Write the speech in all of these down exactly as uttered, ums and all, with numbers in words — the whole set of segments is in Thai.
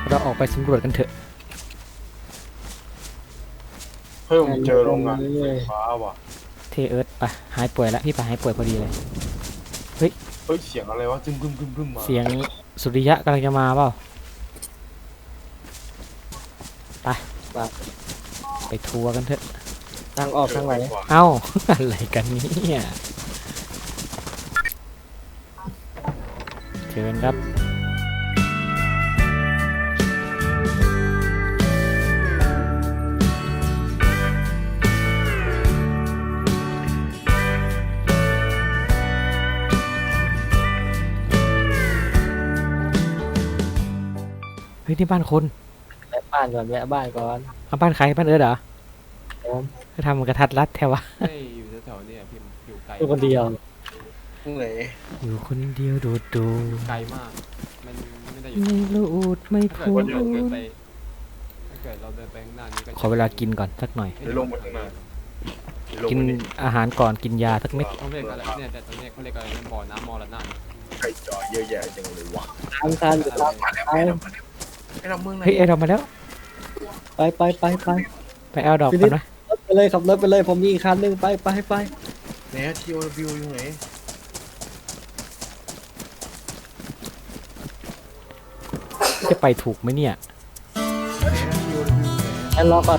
เราออกไปสำรวจกันเถอะเพิ่มเจอโรงงานไฟฟ้าว่ะเทเอิร์ธไปหายป่วยแล้วพี่ไปหายป่วยพอดีเลยเฮ้ยเฮ้ยเสียงอะไรวะจึ้มกึ้มกึ้มกึ้มมาเสียงสุริยะกำลังจะมาเปล่าไปไปทัวร์กันเถอะทางออกทางไหนเอ้า อะไรกันเนี่ยเชิญครับเฮ้ยนี่บ้านคนแวะบ้านก่อนแวะบ้านก่อนเอาบ้านใครบ้านเอิร์ธเหรอผมเขาทำกระทัดรัดแถววะไม่อยู่แถวๆเนี่ยพี่อยู่ไกลอยู่คนเดียวไหนอยู่คนเดียวดูดูไกลมากมันไม่ได้อยู่ไม่รูดไม่ถ้าพูเกิดดเราเดินไปถ้าเกิดเราเดินไปข้างหน้านี้ก็ขอเวลากินก่อนสักหน่อยไปลงมาข้างหน้ากินอาหารก่อนกินยาสักเม็ดต้องเรียกอะไรเนี่ยแต่ตรงนี้เขาเรียกอะไรนะบ่อน้ำมรณะไก่จอเยอะแยะจังเลยวะทางการอยู่ตามมาแล้วมาแล้วมาแล้วไอ้เราเมืองไหนเฮ้ยเอเรามาแล้วไปไปไปไปไปเอาดอกก่อนนะรถไปเลยขับรถไปเลยผมมีอีกคันหนึงไปไปไปไหนทีโอวิวอยู่ไหนจะไปถูกไหมเนี่ยไหนทีโอวิวไหนแอนรอก่อน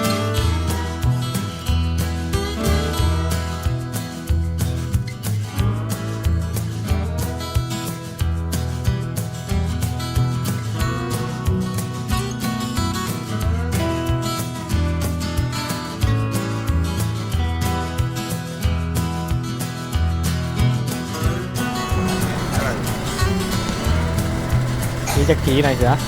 ขี่จะขี่หน่อยเสือ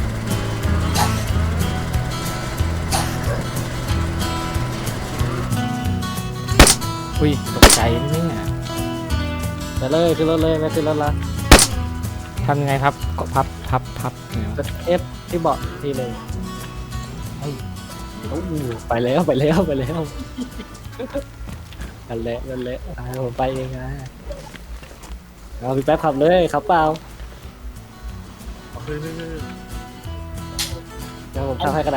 อุ้ยตกใจนะเนี่ยไปเลยขึ้นรถเลยไม่ขึ้นรถละทำยังไงครับก็พับพับพับเนี่ยกดเอฟที่เบาะทีหนึ่งเฮ้ยโอ้โหไปแล้วไปแล้วไปแล้วกันเละกันเละอ่าผมไปเองนะเอาพี่แป๊บขับเลยขับเปล่าเฮ้ยเฮ้ยเฮ้ยเดี๋ยวผมทำให้ก็ได้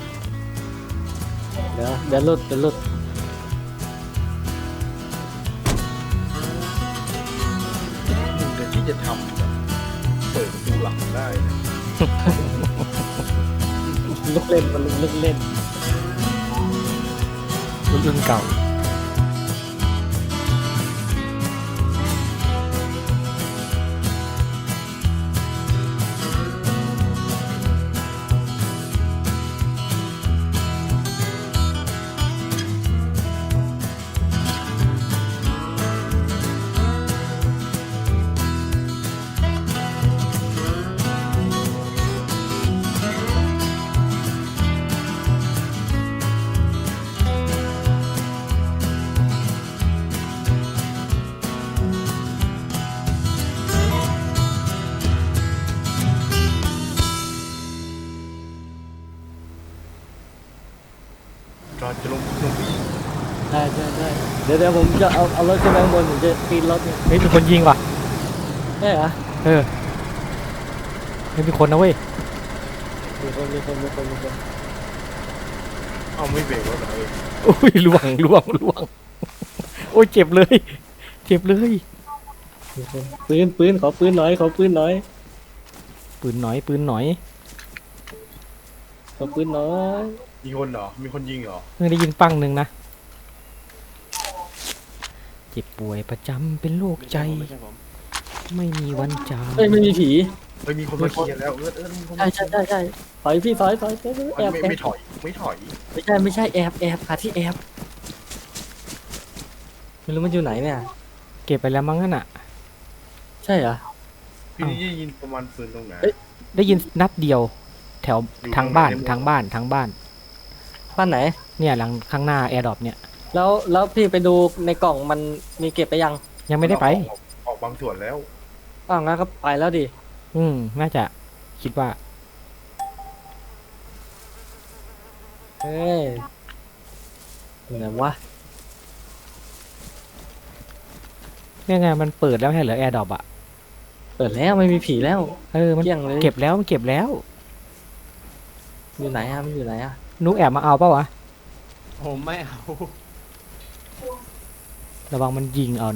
เดี๋ยวเดี๋ยวหลุดเดี๋ยวหลุดมึงเดี๋ยวที่จะทำแบบเปิดประตูหลังได้นะลูกเล่นมันลูกเล่นรุ่นเก่าจอดจะลงลงไปอีกใช่ใช่ใช่เดี๋ยวเดี๋ยวผมจะเอาเอารถขึ้นไปข้างบนผมจะปีนรถเนี่ยเฮ้ยมีคนยิงว่ะใช่เหรอเออไม่มีคนนะเว้ยมีคนมีคนมีคนมีคนเอาไม่เบรกรถเหรอเอออุ้ยล่วงล่วงล่วงโอ้ยเจ็บเลยเจ็บเลยมีคนปืนปืนขอปืนหน่อยขอปืนหน่อยปืนหน่อยปืนหน่อยขอปืนหน่อยมีคนเหรอมีคนยิงเหรอเพิ่งได้ยินปังหนึ่งนะเจ็บป่วยประจำเป็นโรคใจไม่ใช่ผมไม่มีวันจางเฮ้ยไม่มีผีเฮ้ยมีคนมาเคลียร์แล้วเออเออมีคนใช่ใช่ใช่ใช่ถอยพี่ถอยถอยถอยแอบไม่แอบไม่ถอยไม่ถอยไม่ใช่ไม่ใช่แอบแอบหาที่แอบไม่รู้มันอยู่ไหนเนี่ยเก็บไปแล้วมั้งนั่นน่ะใช่เหรอพี่นี่ได้ยินประมาณปืนตรงไหนเอ้ยได้ยินนัดเดียว แถวอยู่ทางบ้านตรงไหนทางบ้านทางบ้านบ้านไหนเนี่ยหลังข้างหน้าแอร์ดรอปเนี่ยแล้วแล้วพี่ไปดูในกล่องมันมีเก็บไปยังยังไม่ได้ไปออกออกบางส่วนแล้วอ้าวงั้นก็ไปแล้วดิอืมน่าจะคิดว่าเฮ้ยไหนวะเนี่ยไงมันเปิดแล้วให้เหลือแอร์ดรอปอ่ะเปิดแล้วไม่มีผีแล้วเออมันเกลี้ยงเลยเก็บแล้วมันเก็บแล้วอยู่ไหนอะมันอยู่ไหนอะนุกแอบมาเอาเปล่าวะผมไม่เอาระวังมันยิงเอานะ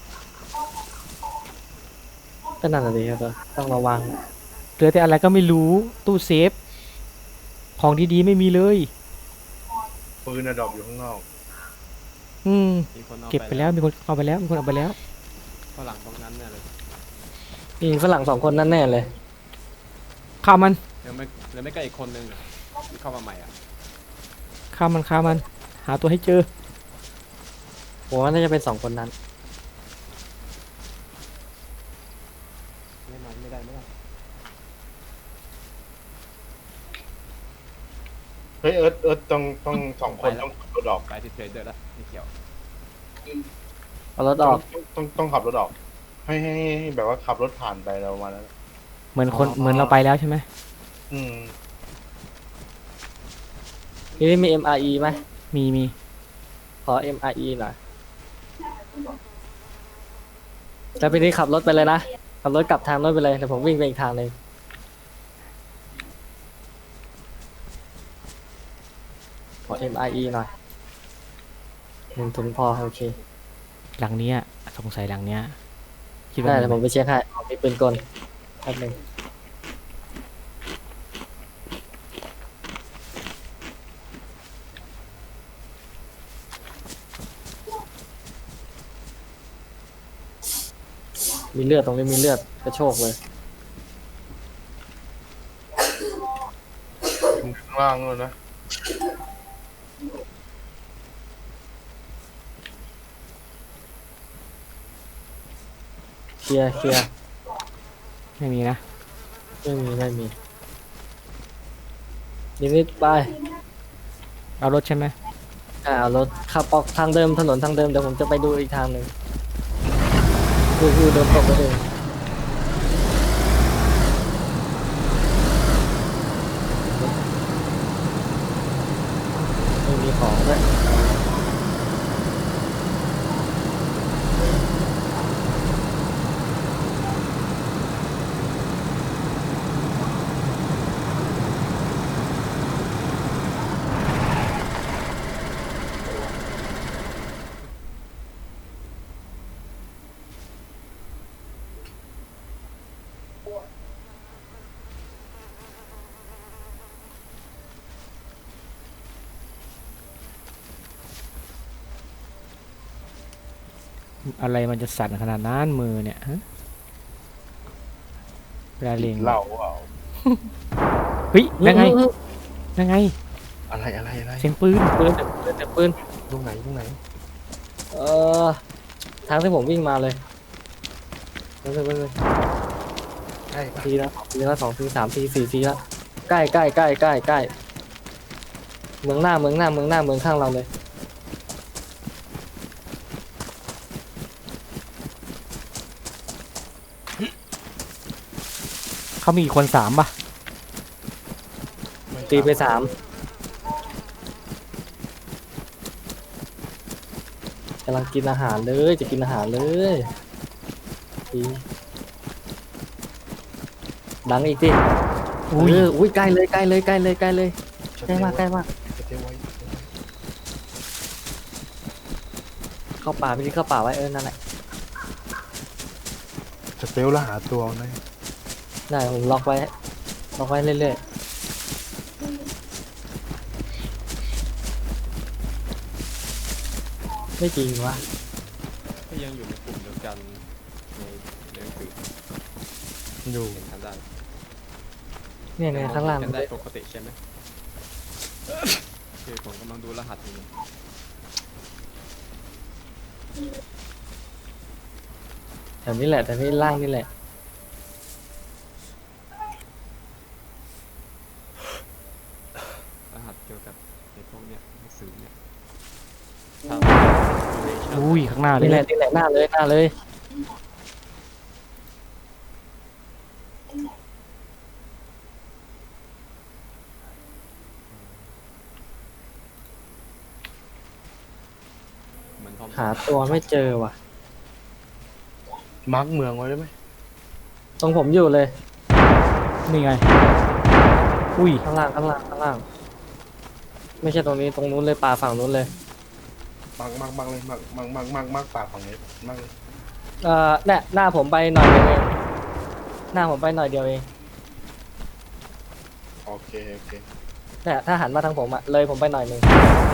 ก็นั่นแหละดิครับต้องระวังเหลือแต่อะไรก็ไม่รู้ตู้เซฟ ของดีๆไม่มีเลยปืนอะดรอปอยู่ข้างนอกอืมมีคนเอาเก็บไปแล้วมีคนเอาไปแล้วมีคนเอาไปแล้วฝรั่งตรงนั้นเนี่ยเลยมีฝรั่งสองคนนั่นแน่เลยฆ่ามันเดี๋ยวไม่เดี๋ยวไม่ใกล้อีกคนนึงอะที่เข้ามาใหม่อ่ะฆ่ามันฆ่ามัน หาตัวให้เจอผมว่าน่าจะเป็นสองคนนั้นไม่มาไม่ได้ไม่ได้เฮ้ยเอิร์ธเอิร์ธต้องต้องสองคนต้องขับรถออกไปที่เทรดเดอร์แล้วไม่เกี่ยวเอารถออกต้องต้องต้องขับรถออก ให้ให้ให้แบบว่าขับรถผ่านไปเรามาแล้วเหมือนคนเหมือนเราไปแล้วใช่ไหมอืมนี่มี เอ็ม อาร์ อี ไหมมีมีขอ เอ็ม อาร์ อี หน่อยแล้วไปนี่ขับรถไปเลยนะ ขับรถกลับทางรถไปเลยเดี๋ยวผมวิ่งไปอีกทางหนึ่งขอ เอ็ม อาร์ อี หน่อยหนึ่งถุงพอโอเคหลังเนี้ยสงสัยหลังเนี้ยคิดว่าได้มีเดี๋ยวผมไปเช็คให้มีปืนกลแป๊บหนึงมีเลือดตรงนี้มีเลือดกระโชกเลยข้างล่างเลยนะเคลียร์เคลียร์ไม่มีนะไม่มีไม่มีนิดนิดไปเอารถใช่ไหมอ่าเอารถขับออกทางเดิมถนนทางเดิมเดี๋ยวผมจะไปดูอีกทางหนึ่งดูดูเดินตกไปเลยไม่มีของด้วยอะไรมันจะสั่นขนาดนั้นมือเนี่ยฮะเวลาเล็งเหล่าเปล่าเฮ้ยยังไงยังไงอะไรอะไรอะไรเสียงปืนปืนเดี๋ยวปืนเดี๋ยวปืนตรงไหนตรงไหนเอ่อทางที่ผมวิ่งมาเลยไปเลยไปเลยใช่ปะทีละทีละสองทีสามทีสี่ทีละใกล้ใกล้ใกล้ใกล้ใกล้เมืองหน้าเมืองหน้าเมืองหน้าเมืองข้างเราเลยเขามีกี่คนสามป่ะม่ตีไปสามกำลังกินอาหารเลยจะกินอาหารเลยดีดังอีกทีอุ้ยเอออุ้ยใกล้เลยใกล้เลยใกล้เลยใกล้เลยใกล้มากใกล้มากสเตลไว้เข้าป่าไปที่เข้าป่าไว้เออนั่นแหละสเตลแล้วหาตัวนะได้ผมล็อกไว้ล็อกไว้เรื่อยๆไม่จริงวะก็ยังอยู่ในกลุ่มเดียวกันในในหนังสืออยู่เห็นกันได้เนี่ยเนี่ยข้างล่างเห็นกันได้ปกติใช่ไหมคือผมกำลังดูรหัสอยู่แถวนี้แหละแต่นี่ล่างนี่แหละรหัสเกี่ยวกับในพวกเนี้ยหนังสือเนี่ยอุ้ยข้างหน้าเลยนี่แหละนี่แหละหน้าเลยหน้าเลยเหมือนทอมหาตัวไม่เจอว่ะมาร์กเมืองไว้ได้ไหมตรงผมอยู่เลยนี่ไงอุ้ยข้างล่างข้างล่างข้างล่าง ไม่ใช่ตรงนี้ตรงนู้นเลยป่าฝั่งนู้นเลยมักมักมักเลยมักมักมักมักมักปากฝั่งนี้มักเลยเอ่อเนี่ยหน้าผมไปหน่อยเดียวเองหน้าผมไปหน่อยเดียวเองโอเคโอเคเนี่ยถ้าหันมาทางผมอะเลยผมไปหน่อยหนึ่ง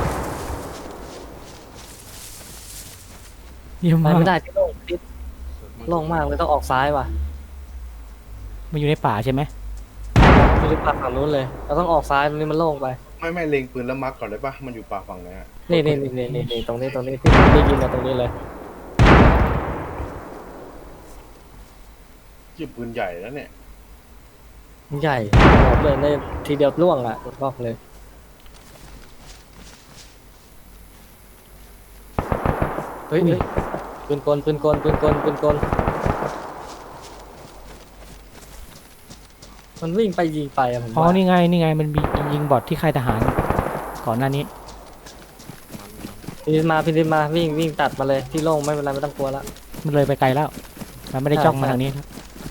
เยี่ยมไปมากไม่ได้ที่โล่งที่โล่งมากเลยต้องออกซ้ายว่ะมันอยู่ในป่าใช่ไหมไม่ได้ป่าฝั่งนู้นเลยเราต้องออกซ้ายตรงนี้มันโล่งไปไม่ไม่เล็งปืนแล้วมักก่อนได้ปะมันอยู่ปากฝั่งไหนอะนี่นี่นี่นี่นี่ตรงนี้ตรงนี้ที่ผมได้ยินมาตรงนี้เลยที่ปืนใหญ่แล้วเนี่ยใหญ่โหดเลยในทีเดียวล่วงอ่ะบอกเลยเฮ้ยเฮ้ยปืนกลปืนกลปืนกลปืนกลมันวิ่งไปยิงไปอะผมอ๋อว่านี่ไงนี่ไงมันมียิงบอทที่ค่ายทหารก่อนหน้านี้พี่นิดมาพี่นิดมาวิ่งวิ่งตัดมาเลยที่โล่งไม่เป็นไรไม่ต้องกลัวละมันเลยไปไกลแล้ว มันไม่ได้ใช่จ้องมาใช่ทางนี้ครับ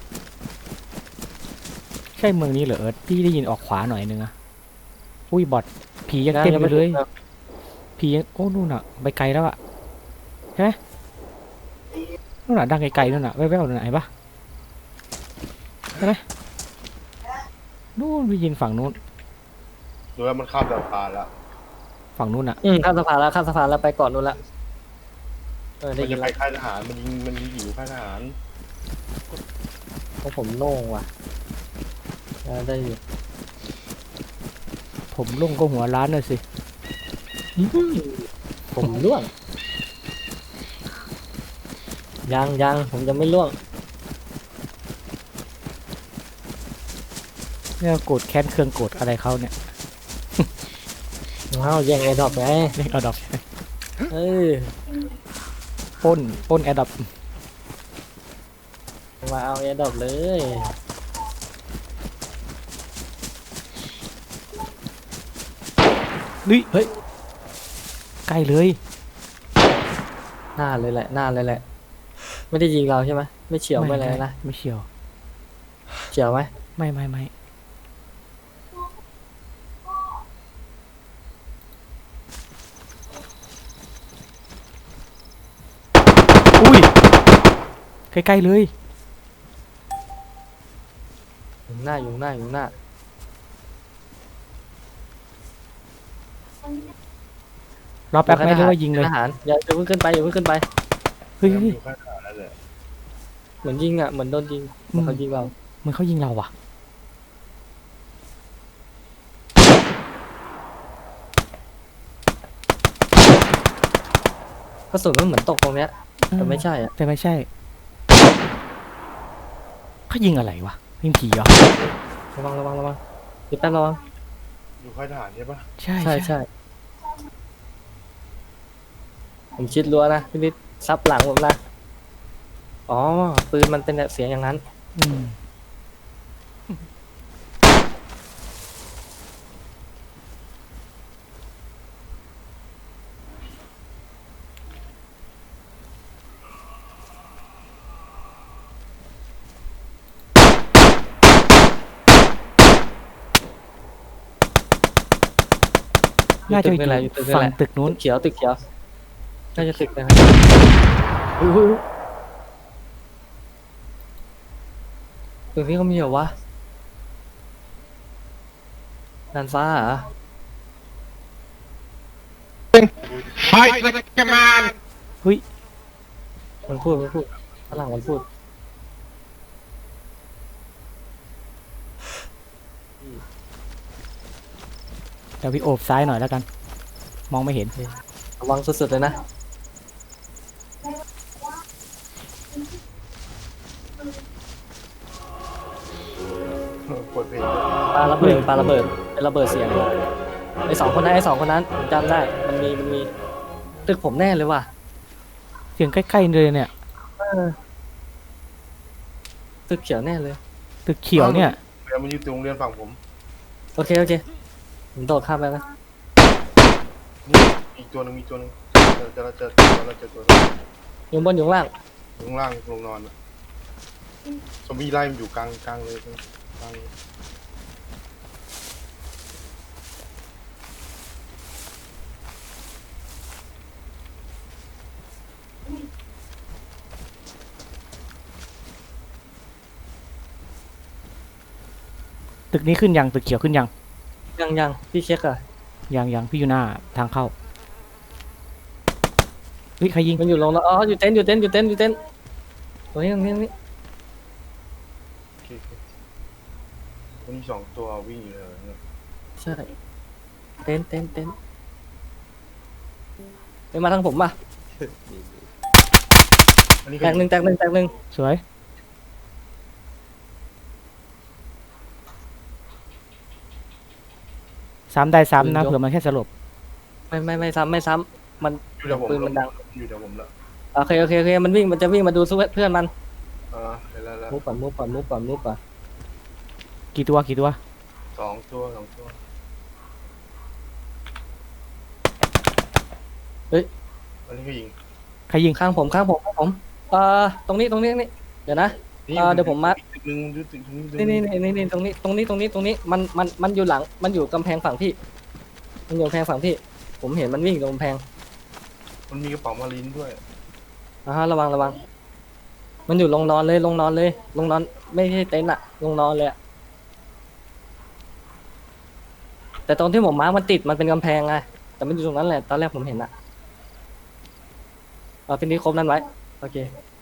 ใช่เมืองนี้เหรอเอิร์ธพี่ได้ยินออกขวาหน่อยนึงอะอุ้ยบอทผียังเต็มอยู่เลย ผียังโอ้นู่นอะไปไกลแล้วอะใช่ไหมนู่นอะดังไกลๆนู่นอะแว่วๆนู่นอะเห็นปะใช่ไหมนู่นไปยินฝั่งนู้นดูแล้วมันข้ามสะพานแล้วฝั่งนู้นอะอืมข้ามสะพานแล้วข้ามสะพานแล้วไปก่อนนู้นละเออได้มันยิจะนไปแล้วค่ายทหารมันยิงมันยิงอยู่ค่ายทหารเพราะผมโล่งว่ะเออได้อยู่ผมลงก็หัวร้านเลยสิผมล่วงยังยังผมจะไม่ล่วงเนี่ยโกรธแค้นเครื่องโกรธอะไรเขาเนี่ยว้าวแย่งไอ้ดอกไงเรียกเอาดอกเออปล้นปล้นแอดดอปมาเอาไอ้ดอกเลยนี่เฮ้ยใกล้เลยหน้าเลยแหละหน้าเลยแหละ ไม่ได้ยิงเราใช่ไหมไม่เฉียวไม่อะไรนะไม่เฉียวเฉียวไหมไม่ไม่ไม่อุ้ยใกล้ๆเลยอยู่หน้าอยู่หน้าอยู่หน้ารอแป๊บไหมหรือว่ายิงเลยทหารอย่าอย่าเพิ่งขึ้นไปอย่าเพิ่งขึ้นไปเฮ้ยมันเฮ้ยอยู่ค่ายทหารนั่นแหละเหมือนยิงอ่ะเหมือนโดนยิงเหมือนเขายิงเราเหมือนเขายิงเราว่ะกระสุนมันเหมือนตกตรงเนี้ยแต่ไม่ใช่อ่ะแต่ไม่ใช่เขายิงอะไรวะยิงผีเหรอระวังระวังระวังพี่แป๊บระวังอยู่ค่ายทหารใช่ปะใช่ใช่ใช่ผมชิดรั้วนะพี่นิดซับหลังผมนะอ๋อปืนมันเป็นแบบเสียงอย่างนั้นอืมน่าจะอยู่ตึกนี่แหละอยู่ตึกนี่ฝั่แหงละตึกนู้นตึกเขียวตึกเขียวน่าจะตึกนะครับอุ้ยอุ้ยอุ้ยตึกนี้เขามีเหรอวะดานฟ้าเหรอ Fight like a man! เฮ้ยมันพูดมันพูดฝรั่งมันพูดเดี๋ยวพี่โอบซ้ายหน่อยแล้วกัน มองไม่เห็นระวังสุดๆเลยนะเปิดเพลงปาระเบิดปาระเบิดเป็นระเบิดเสียงไอ้สองคนนั้นไอ้สองคนนั้นผมจำได้มันมีมันมีตึกผมแน่เลยว่ะเสียงใกล้ๆเลยเนี่ยตึกเขียวแน่เลยตึกเขียวเนี่ยเรียนมันอยู่ตรงโรงเรียนฝั่งผมโอเคโอเคผมโดดข้ามไปนะนี่อีกตัวหนึงมีตัวหนึงเจอเจอเจอเจอเจอตัวหนึงอยู่บนอยู่ข้างล่างอยู่ข้างล่างลงนอนอะซอมบี้ไล่มันอยู่กลางกลางเลยกลางเลยตึกนี้ขึ้นยังตึกเขียวขึ้นยังยังยังพี่เช็คอะยังยังพี่อยู่หน้าทางเข้าเฮ้ยใครยิงมันอยู่ลงแล้วอ๋ออยู่เต็นท์อยู่เต็นท์อยู่เต็นท์อยู่เต็นท์ตรงนี้ตรงนี้ตรงนี้โอเคโอเคมันมีสองตัววิ่งอยู่เลยเนี่ยใช่เต็นท์เต็นท์เต็นท์ไปมาทางผมป่ะนี่นี่อันนี้แตกหนึ่งแตกหนึ่งแตกหนึ่งสวยซ้ำได้ซ้ำนะเผื่อมันแค่สลบไม่ไม่ไม่ซ้ำไม่ซ้ำมันอยู่เดี๋ยวผมปืนมันดังอยู่เดี๋ยวผมละโอเคโอเคโอเคมันวิ่งมันจะวิ่งมาดูเพื่อนมันอ่าเห็นแล้วแล้วมุกก่อนมุกก่อนมุกก่อนมุกก่อนกี่ตัวกี่ตัวสองตัวสองตัวอันนี้ก็ยิงใครยิงข้างผมข้างผมข้างผมเอ่อตรงนี้ตรงนี้นี่เดี๋ยวนะนี่อ่าเดี๋ยวผมมาตึกหนึ่งดูตึกหนึ่งตึกหนี่นึ่นี่งนี่นี่ตรงนี้ตรงนี้ตรงนี้ตรงนี้มันมันมันอยู่หลังมันอยู่กำแพงฝั่งพี่ มันอยู่กำแพงฝั่งพี่ ผมเห็นมันวิ่งตรงกำแพงมันมีกระเป๋ามาลินด้วยอ่าฮะระวังระวัง มันอยู่ลงนอนเลยลงนอนเลยลงนอนไม่ใช่เต็นท์อะลงนอนเลยอะแต่ตรงที่ผมมาร์คมันติดมันเป็นกำแพงไงแต่มันอยู่ตรงนั้นแหละตอนแรกผมเห็นอะเอาพี่นี้ครบนั้นไว้โอเค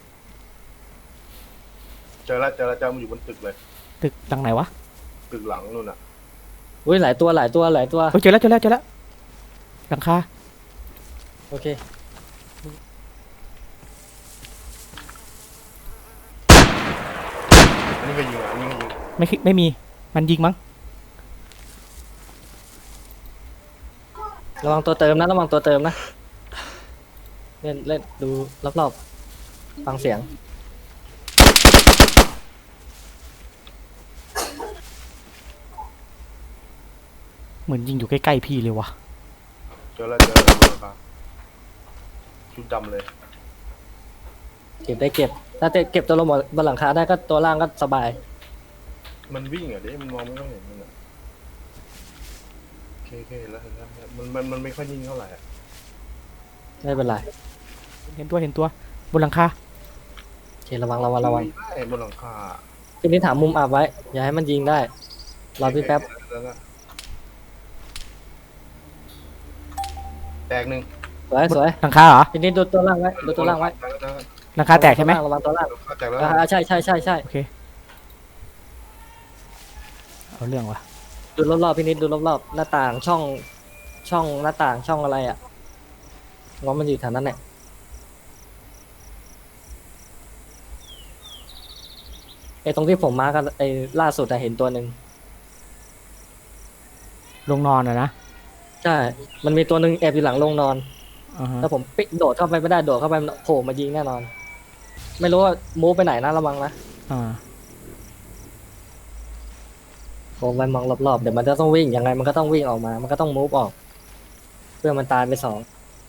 เจอแล้วเจอแล้วเจอมันอยู่บนตึกเลยตึกหลังไหนวะตึกหลังนู่นอ่ะอุ้ยหลายตัวหลายตัวหลายตัวเฮ้ยเจอแล้วเจอแล้วเจอแล้วหลังคาโอเคอันนี้ก็ยิงอ่ะอันนี้ก็ยิงไม่คิไม่มีมันยิงมั้งระวังตัวเติมนะระวังตัวเติมนะเล่นเล่นดูรอบๆฟังเสียงเหมือนยิงอยู่ใกล้ๆพี่เลยวะเจอแล้วเจอแล้วตัวครับชุดดำเลยเก็บได้เก็บถ้าเก็บตัวลงบนหลังคาได้ก็ตัวล่างก็สบายมันวิ่งอ่ะเด้มันมองไม่ค่อยเห็นมันอ่ะโอเคโอเคเห็นแล้วเห็นแล้วมันมันมันไม่ค่อยนิ่งเท่าไหร่อ่ะไม่เป็นไรเห็นตัวเห็นตัวบนหลังคาโอเคระวังระวังระวังได้บนหลังคาทีนี้ถามมุมอับไว้ อย่าให้มันยิงได้รอพี่แป๊บแล้วก็แตกหนึ่งสวยสวยหลังคาเหรอทีนี้ดูตัวล่างไว้ดูตัวล่างไว้หลังคาแตกใช่ไหมระวังตัวล่างแตกแล้วอ่าใช่ใช่ใช่ใช่โอเคเอาเรื่องวะดูรอบๆพี่นิดดูรอบๆหน้าต่างช่องช่องหน้าต่างช่องอะไรอ่ะง้อมันอยู่แถวนั้นแหละไอ้ตรงที่ผมมากันไอ้ล่าสุดอะเห็นตัวหนึ่งลงนอนอะนะใช่ มันมีตัวหนึ่งแอบอยู่หลังโรงนอนอ่าฮะแล้วผมปิดโดดเข้าไปไม่ได้โดดเข้าไปมันโผล่มายิงแน่นอน ไม่รู้ว่ามูฟไปไหนนะระวังนะอ่าผมไปมองรอบๆเดี๋ยวมันจะต้องวิ่งยังไงมันก็ต้องวิ่งออกมา มันก็ต้องมูฟออก เพื่อมันตายไปสอง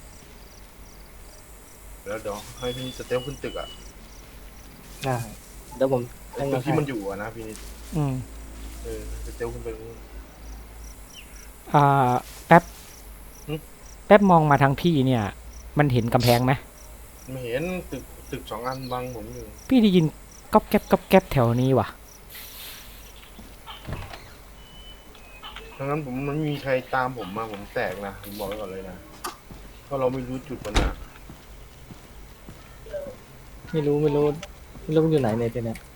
เดี๋ยวเดี๋ยวให้พี่สเตลขึ้นตึกอ่ะอ่าเดี๋ยวผมไอ้ตึกที่มันอยู่อ่ะนะพี่นิดอืมเออสเตลขึ้นไปตรงนู้นอ่าแป๊บหึแป๊บมองมาทางพี่เนี่ย มันเห็นกำแพงไหมไม่เห็นตึกตึกสองอันบังผมอยู่พี่ได้ยินก๊อบแก๊บก๊อบแก๊บแถวนี้ว่ะดังนั้นผมมันไม่มีใครตามผมมาผมแตกนะผมบอกไว้ก่อนเลยนะเพราะเราไม่รู้จุดมันนะไม่รู้ไม่รู้ไม่รู้มันอยู่ไหนเนี่ยทีเนี้ย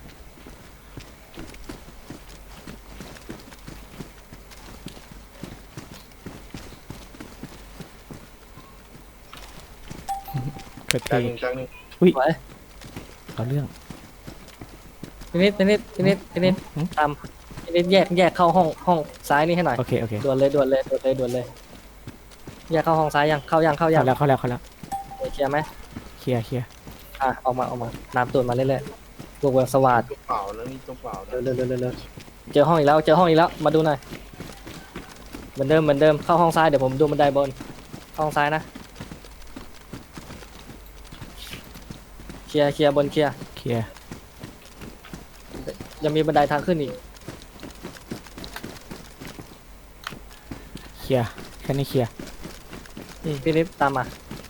เกิดแตเพกหนึ่งแตกหนึ่งไว้เอาเรื่องทีนิดทีนิดทีนิดทีนิดหืมตามทีนิดแยกแยกเข้าห้องห้องซ้ายนี่ให้หน่อยโอเคโอเคด่วนเลยด่วนเลยด่วนเลยด่วนเลยแยกเข้าห้องซ้ายยังเข้ายังเข้ายัเข้าง แล้วเข้าแล้วเข้าแล้วเคลียร์ไหมเคลียร์เคลียร์อ่ะออกมาออกมาน้ำตูดมาเรื่อยๆบวกเวลสวัสดตัวเปล่าแล้วนี่ตัวเปล่านะเร็วเร็วเร็วเร็วเจอห้องอีกแล้วเจอห้องอีกแล้วมาดูหน่อยเหมือนเดิมเหมือนเดิมเข้าห้องซ้ายเดี๋ยวผมดูบันไดบนห้องซ้ายนะเคลียร์เคลียร์บนเคลียร์เคลียร์ยังมีบันไดทางขึ้นอีกเคลียร์แค่นี้เคลียร์อืมพี่นิดตามมา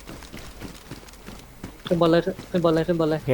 ขึ้นบนเลยขึ้นบนเลยขึ้นบนเลยโอเค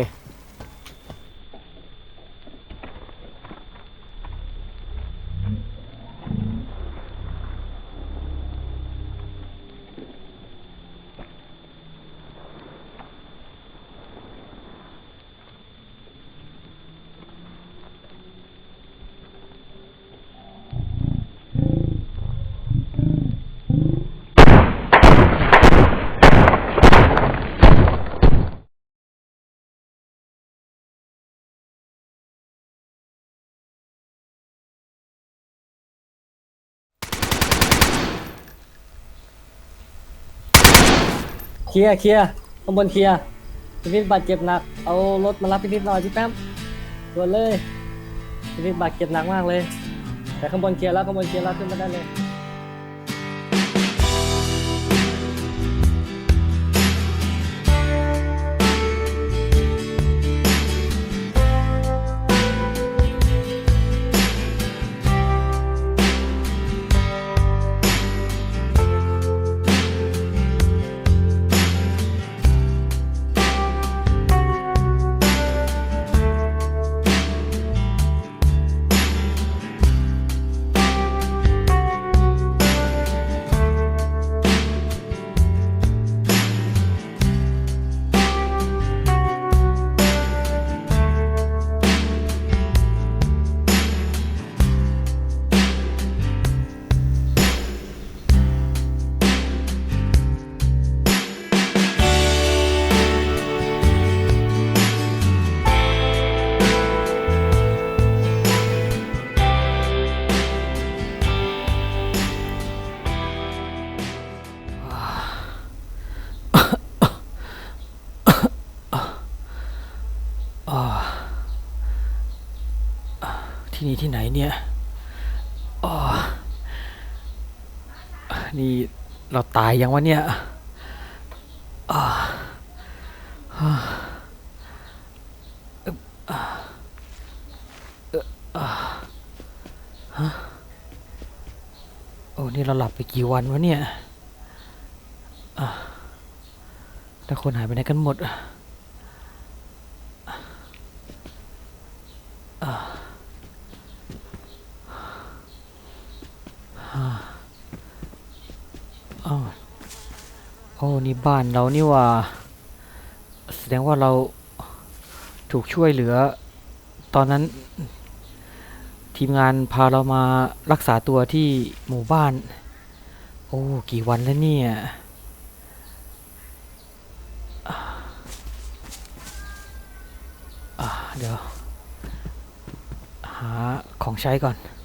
ลียร์เคลียร์ข้างบนเคลียร์พินิจบาดเจ็บหนักเอารถมารับพินิจหน่อยพี่แป๊มด่วนเลยพินิจบาดเจ็บหนักมากเลยแต่ข้างบนเคลียร์แล้วข้างบนเคลียร์แล้วขึ้นมาได้เลยอ่าที่นี่ที่ไหนเนี่ยอ่านี่เราตายยังวะเนี่ยอ่าอ่าอึ๊บอ่าเอ่ออ่าฮะโอ้นี่เราหลับไปกี่วันวะเนี่ยอ่าแล้วคนหายไปไหนกันหมดอ่ะอ่าอ่าอ้าวโอ้นี่บ้านเรานี่หว่าแสดงว่าเราถูกช่วยเหลือตอนนั้นทีมงานพาเรามารักษาตัวที่หมู่บ้านโอ้กี่วันแล้วเนี่ยอ่าเดี๋ยวหาของใช้ก่อน